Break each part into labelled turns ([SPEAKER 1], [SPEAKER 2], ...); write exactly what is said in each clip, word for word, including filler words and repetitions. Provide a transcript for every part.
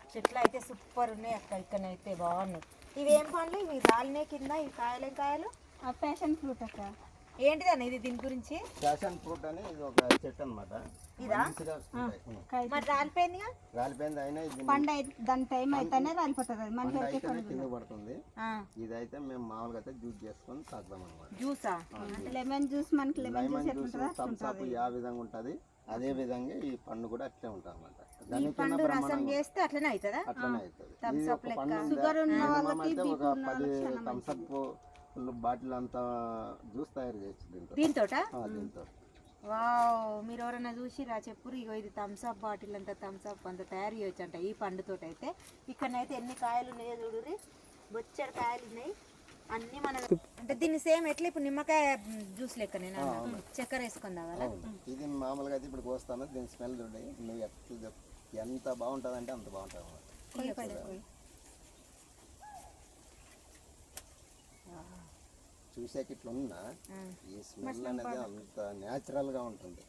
[SPEAKER 1] చెట్లు అయితే సూపర్ ఉన్నాయి అక్క. ఇక్కడైతే బాగున్నాయి. ఇవి ఏం పండ్లు? ఇవి రాలినాయి కింద. ఇవి కాయలేం కాయలు?
[SPEAKER 2] ప్యాషన్ ఫ్రూట్ అక్క.
[SPEAKER 1] ఏంటిదన్న ఇది? దీని గురించి
[SPEAKER 3] ప్యాషన్ ఫ్రూట్ అని ఇది ఒక చెట్టు అనమాట.
[SPEAKER 1] ఇదా? మరి రాలిపోయిందిగా.
[SPEAKER 3] రాలిపోయింది అయినా ఇది
[SPEAKER 2] పండు దాని టైం అయితేనే రాలిపోతుంది. అది మన
[SPEAKER 3] అయితేనే కింద పడుతుంది. ఇదైతే మేము మామూలుగా అయితే జ్యూస్ చేసుకొని తాగుతాం అనమాట.
[SPEAKER 1] జ్యూసా?
[SPEAKER 2] అంటే లెమన్ జ్యూస్ మనకి lemon juice
[SPEAKER 3] lemon juice Thums Up ఆ విధంగా ఉంటది. అదే విధంగా ఈ పండు కూడా అట్లే ఉంటుంది అనమాట.
[SPEAKER 1] ఈ పండు రసం చేస్తే అట్లనే అవుతుందా?
[SPEAKER 3] అట్లనే అవుతుంది.
[SPEAKER 1] థమ్స్ అప్ లెక్క.
[SPEAKER 2] షుగర్ ఉన్న వాళ్ళకి
[SPEAKER 3] అయితే ఒక పది థమ్స్ అప్ బాటిల్ అంతా జ్యూస్ తయారు చేయొచ్చు దీంతో.
[SPEAKER 1] దీంతోటా?
[SPEAKER 3] దీంతో.
[SPEAKER 1] వావ్, మీరు ఎవరైనా చూసిరా చెప్పురు. ఇగో ఇది థమ్స్ అప్ బాటిల్ అంతా థమ్స్ అప్ అంతా తయారు చేయొచ్చు అంట ఈ పండుతోటి. అయితే ఇక్కడనైతే ఎన్ని కాయలు ఉన్నాయో చూడురి. బొచ్చడి కాయలు ఉన్నాయి అన్ని. మన అంటే దీన్ని సేమ్ ఎట్లా ఇప్పుడు నిమ్మకాయ జ్యూస్ లెక్క నేను చక్కెర వేసుకుందా కదా.
[SPEAKER 3] ఇది మామూలుగా అయితే ఇప్పుడు కోస్తాను. దీని స్మెల్ చూడండి. నువ్వు ఎట్లా ఎంత బాగుంటుంది అంటే అంత బాగుంటుంది అన్నమాట. చూసాక ఇట్లా ఉన్నా ఈ స్మెల్ అనేది అంత న్యాచురల్ గా ఉంటుంది.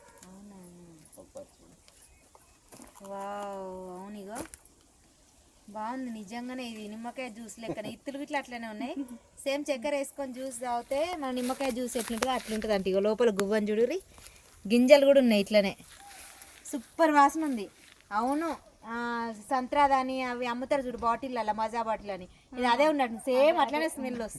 [SPEAKER 1] వావ్, అవునిగో బాగుంది నిజంగానే. ఇది నిమ్మకాయ జ్యూస్ లెక్కన. ఇత్తులు ఇట్లా అట్లనే ఉన్నాయి. సేమ్ చక్కెర వేసుకొని జ్యూస్ తాగితే మన నిమ్మకాయ జ్యూస్ ఎట్లుంటుందో అట్లుంటుంది అంటే. ఇగో లోపల గువ్వని చూడురి, గింజలు కూడా ఉన్నాయి ఇట్లనే. సూపర్ వాసన ఉంది. అవును, సంత్రాదాని అవి అమ్ముతారు చూడు బాటిల్ అలా, మజా బాటిల్ అని. ఇది అదే ఉన్నట్టు సేమ్ అట్లనే స్మెల్ వస్తుంది.